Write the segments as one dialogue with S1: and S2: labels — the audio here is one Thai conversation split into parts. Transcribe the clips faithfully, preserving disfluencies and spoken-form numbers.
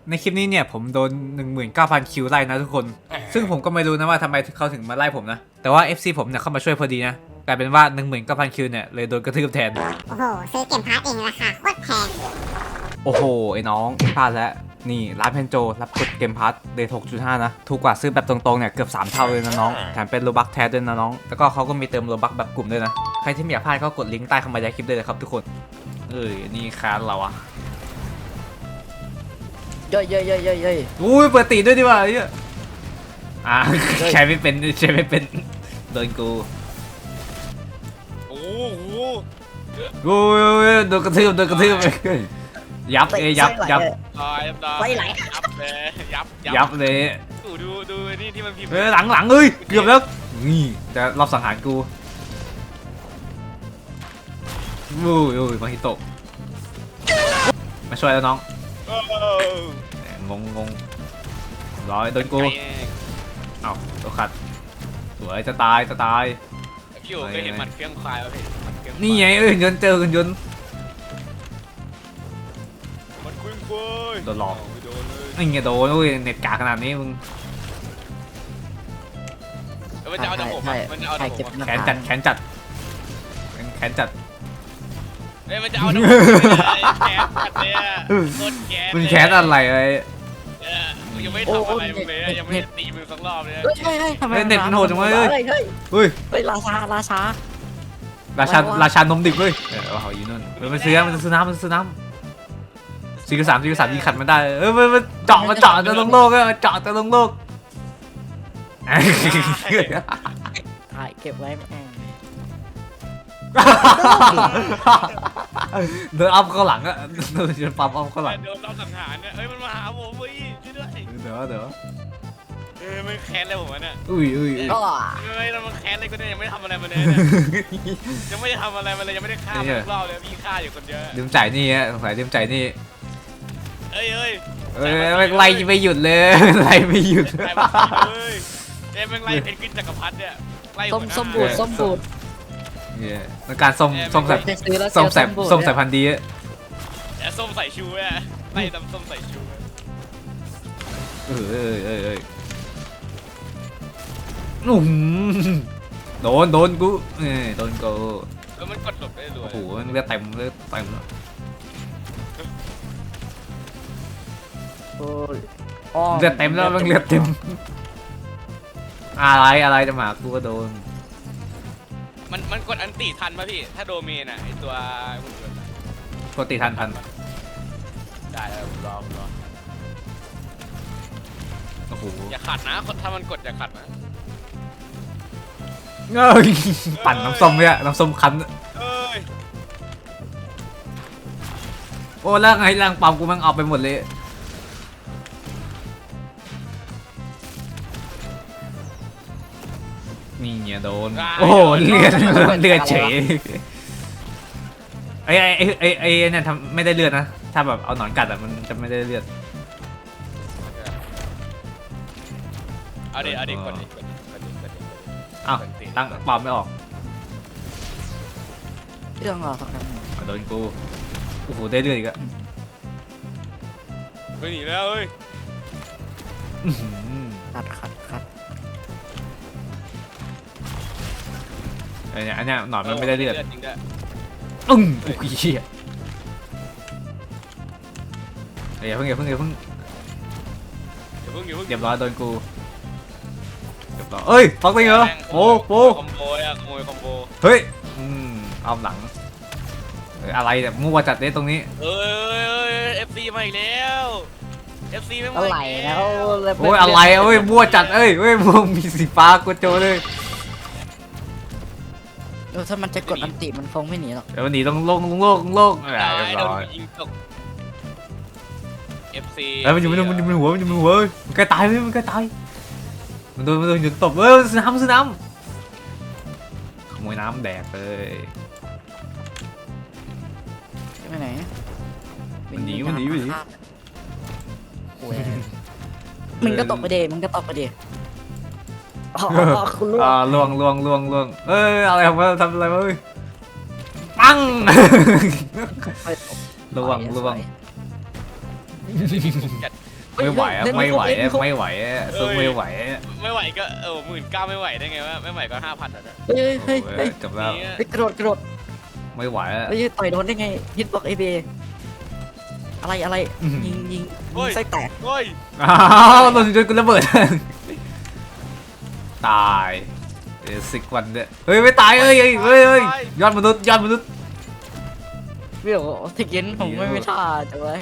S1: ในคลิปนี้เนี่ยผมโดน หนึ่งหมื่นเก้าพัน คิวไล่นะทุกคนซึ่งผมก็ไม่รู้นะว่าทำไมเขาถึงมาไล่ผมนะแต่ว่า เอฟ ซี ผมเนี่ยเข้ามาช่วยพอดีนะกลายเป็นว่า หนึ่งหมื่นเก้าพัน คิวเนี่ยเลยโดนกระทืบแทน
S2: โอ้โหซื้อเกมพาร์ทเองราคาโคตรแพง
S1: โอ้โหไอ้น้องพลาดแล้วนี่ร้านเพนโจรับกดเกมพาร์ทเดท หกจุดห้า นะถูกกว่าซื้อแบบตรงๆเนี่ยเกือบสามเท่าเลยนะน้องแถมเป็นโลบักแท้ด้วยนะน้องแล้วก็เขาก็มีเติมโลบักแบบกลุ่มด้วยนะใครที่ไม่อยากพลาดก็กดลิงก์ใต้คำบรรยายคลิปได้เลยครับทุกคนเอ้ยนี่ค้านเราอะ
S3: เย้ยเย้ยเย้ยเย้ยเย้ย
S1: อุ้ยเปิดตีด้วยดีกว่าเฮ้ยอ่าใช้ไม่เป็นใช้ไม่เป็นโดนกู
S4: โอ้โห
S1: โอ้ยโดนกระทืบโดนกระทืบยับเอ้ยับยับ
S4: ตายตายยับเลยยับ
S1: ยับเลย
S4: ดูดูดูนี่ที่มันพิมพ์
S1: เฮ้ยหลังหลังเอ้ยเกือบแล้วนี่แต่รอบสังหารกูโอ้ยโอ้ยมาฮิโตะมาช่วยแล้วน้องงงงงร้อยโดนกูเอ้าตัวขัดสวยจะตายจะตาย
S4: พี่โอ๋เคยเห็นมันเครื่องควายป่ะพี่
S1: นี่ไงเอ้ยยนต์เจอกันยนต์
S4: มันเครื่องควาย
S1: โดนหลอก
S4: โดนเลย
S1: นี่ไงโดนโอ้ยเน็ตกาขนาดนี้มึง
S4: มันจะเอาแต่ผมมันจะเอาแต่ผม
S1: แขนจัดแขนจัดแขนจัด
S4: เฮ้ยมันจะเอาแต่ผมแขนจัดเนี่ยโคตรแขน
S1: มึงแขนอะไรเลย
S4: ยังไม่ทำอะไรมึงเลยยังไม่ตีมึงสักรอบเลย
S3: เฮ้ยเฮ้ยเฮ้ยทำไม
S1: เน็ตมันโหดจังเลย
S3: เฮ้ยเฮ้ย
S1: เฮ้ย
S3: เฮ้ยราชาราชา
S1: ราชาราชานมดิบเลยเออเอาอยู่นู่นเออมันซื้อมันซื้อน้ำมันซื้อน้ำสี่กับสามสี่กับสามยิงขัดมันได้เออมันมันเจาะมันเจาะจะลงโลกเออเจาะจะลงโลก
S3: ถ่ายเก็บไว้แม่ง
S1: เดินอัพเข้าหลังอะเดินจนปั๊มอัพเข้าหลัง
S4: โดนเราสังหารเนี่ยเอ้ยมันมาหาผมเว้ยช่วยด้วย
S1: เดี๋ยวเดี๋ยว
S4: เออมันแค้นอะไรผมวะเนี่ย
S1: อุ้ยอุ้ย
S3: ก็
S4: เฮ้ยแล้วมันแค้นอะไรกูเนี่ยยังไม่ได้ทำอะไรมันเลยยังไม่ได้ทำอะไรมันเลยยังไม่ได้ฆ่ามันรอบเลยพี่ฆ่าอยู่คนเดียว
S1: ลืมจ่ายนี่ฮะสงสัยลืมจ่ายนี่
S4: เอ้ยเอ้ย
S1: เอ้ยไม่ไล่ไม่หยุดเลยไล่ไม่หยุด
S4: เอ้ยเอ้ยมันไล่เพนกวินจักรพรรดิเนี่ยไล่
S3: ส้มส้มบูดส้มบูด
S1: เนี่ยในการส้มส้มใส่
S3: จะซื้อแล้ว
S1: ส้มใส่
S3: บูด
S1: ส้มใส่พันธุ์ดีอะ
S4: แต่ส้มใส่ชูเนี่ยไล่ตำส้มใส่ชู
S1: เออเออเออเออนุ่มโดนโดนกูเออโดนกู
S4: เออมันกดหลบได้รวย
S1: โอ้โหมันเลือดเต็มเลือดเต็ม
S3: โอ้ย
S1: เลือดเต็มแล้วมันเลือดเต็มอะไรอะไรจะมากูก็โดน
S4: มันมันกดอันติทันป่ะพี่ถ้าโดเมนอ่ะไอตัว
S1: ปกติทันทัน
S4: ได้แล้วรอรอ
S1: โอ้โห
S4: อย่าขัดนะถ้ามันกดอย่าขัดนะ
S1: เอ้ยปั่นน้ำส้มเนี่ยน้ำส้มคั้น
S4: เอ้ย
S1: โอ้แล้วไงร่างปั๊มกูมันเอาไปหมดเลยนี่เนี่ยโดนโอ้โหเลือดเลือดเฉยไอ้ไอ้ไอ้ไอ้เนี่ยทำไม่ได้เลือดนะถ้าแบบเอาหนอนกัดอ่ะมันจะไม่ได้เลือด
S4: เอาดิเอาดิกดดิกดดิกดดิกดดิ
S1: อ้าวตั้งปั๊มไม่ออก
S3: เรื่องเหรอสักครั้ง
S1: โดนกูโอ้โหได้เลือดอีกอะ
S4: ไปหนีแล้วเอ้ย
S3: ขัดขัดขัด
S1: อันเนี้ยอันเนี้ยหนอนมันไม่ได้เลือด
S4: จริงด้วย
S1: อึ้งโอ้ยเหี้ยอย่าเพิ่งอย่าเพิ่งอย่าเพิ่ง
S4: อย่าเพิ่งอย่าเพิ่ง
S1: เรียบร้อยโดนกูเรียบร้อยเอ้ยฟักได้เหรอโอ้โห
S4: คอมโบอะขโมยคอมโบ
S1: เฮ้ยอืมเอาหลังเอ้ยอะไรเนี่ยมั่วจัดเลยตรงนี้
S4: เอ้ยเอ้ยเอ้ยเอฟซีมาอีกแล้วเอฟซีไม่มา
S3: อะไรแล้ว
S1: โอ้ยอะไรเอ้ยมั่วจัดเอ้ยเอ้ยมั่วมีสีฟ้ากดโจเลย
S3: เออถ้ามันจะกดอันติมันคงไม่หนีหรอก
S1: เดี๋ยวมันหนีต้องโลกต้องโลกต้องโลกอ่า
S4: ได้
S1: เรียบ
S4: โดน
S1: ร้อย
S4: ยิงตกเอฟซี
S1: เอ้ยมันอยู่มันอยู่มันอยู่มันหัวมันอยู่มันหัวมันใกล้ตายเลยมันใกล้ตายมันโดนมันโดนหยุดตบเอ้ยซื้อน้ำซื้อน้ำขโมยน้ำแดกเลย
S3: ไปไหน
S1: มันหนีมันหนีมันหนี
S3: โอ้ยมึงก็ตกไปเดมึงก็ตกไปเดอ๋อคุณลูก
S1: อ่าล่วงล่วงล่วงล่วงเอ้ยอะไรของมันทำอะไรวะเอ้ยปังล่วงล่วง
S4: จัด
S1: ไม่ไหวอะไม่ไหวอะไม่ไหวอะสู้ไม่ไหวอะ
S4: ไม่ไหวก็เออหมื่นเก้าไม่ไหวได้ไงวะไม่ไหวก็ห้าพันอ่ะ
S3: เฮ้ยเฮ้ย
S1: โอ้
S3: เฮ้ย
S1: ยจบแล้ว
S4: นี่
S3: เฮ้ยกระโดดกระโดด
S1: ไม่ไหวอะ
S3: เฮ้ยต่อยโดนได้ไงฮิตบ็อกเอเบอะไรอะไรยิงยิงยิงไส้แตก
S4: เฮ้ย
S1: อ้าวโดนจนกูระเบิดตายเอสิกวันเนี่ยเฮ้ยไม่ตายเอ้ยเฮ้ยเฮ้ยเฮ้ยยอดมนุษย์ยอดมนุษย์
S3: พี่บอกว่าเทคเย็นผมไม่ไม่ท่าจังเลย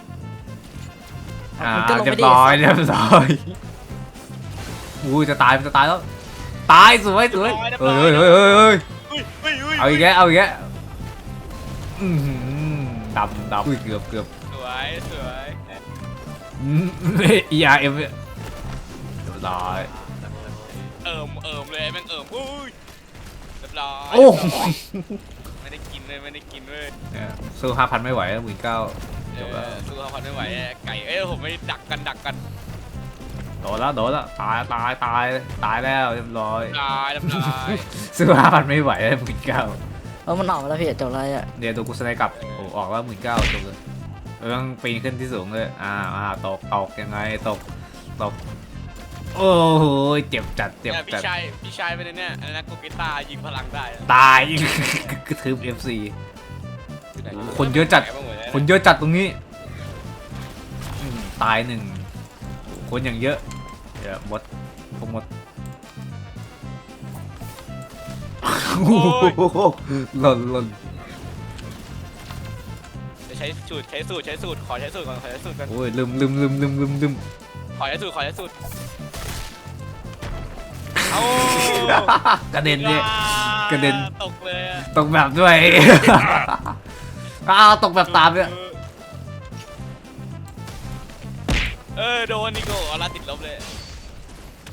S1: อ่า
S3: มันก็ลง
S1: เรีย
S3: ไม่
S1: บ
S3: ได้
S1: ร้อยเรียบร้อยอุ้ยจะตายมันจะตายแล้วตายสวยสวยเฮ้ยเฮ้ยเฮ้ยเฮ้ย
S4: เฮ้ยเฮ้ยเฮ้ย
S1: เอาอีกแกเอาอีกแกอือหือดำดำอุ้ยเกือบเกือบ
S4: สวยสวย
S1: อืม อี อาร์ เอ็ม เนี่ยเรียบร้อย
S4: เอิมเอิมเลยแม่งเอิมอุ้ยเรียบร้อย
S1: โอ้
S4: ไม่ได้กินเลยไม่ได้กินเลย
S1: เนี่ยสู้ห้าพันไม่ไหวหมื่นเก้าจบแล้ว
S4: สู้เขาพันไม่ไหวไก่เอ้ยผมไม่ดักกันดักกัน
S1: โดนแล้วโดนแล้วตายตายตายตายแล้วเรียบร้อย
S4: ตายเรียบร้อย
S1: สู้ห้าพันไม่ไหวหมื่นเก้า
S3: เออมันออกมาแล้วพี่จบเลยอ่ะ
S1: เดี๋ยวตัวกูสไนด์กลับโอ้ออกแล้วหมื่นเก้าจบเลยเราต้องปีนขึ้นที่สูงเลยอ่าอ่าตกตกยังไงตกตกโอ้โหเจ็บจัดเจ็บ
S4: เนี่ยพี่
S1: จัด
S4: ชายพี่ชายเป็นเนี่ยอันนั้นกูกีตาร์ยิงพลังได้
S1: ตาย กระทืบ เอฟ ซี คนเยอะจัด คนเยอะจัดตรงนี้อืมตายหนึ่งคนอย่างเยอะเดี๋ยวมดพวกมดหล่นหล่น
S4: จะใช้สูตรใช้สูตรใช้สูตรขอใช้สูตรก่อนขอใช้สูตรก่อน
S1: โอ้ยลืมลืมลืมลืมลืมลืม
S4: ขอใช้สูตรขอใช้สูตรเอา
S1: กระเด็นเนี่ย กระเด็น
S4: ตกเลยอะ
S1: ตกแบบด้วย อ้าวตกแบบตามเนี่ย
S4: เออโดนนิโก้เอาละติดลบเลย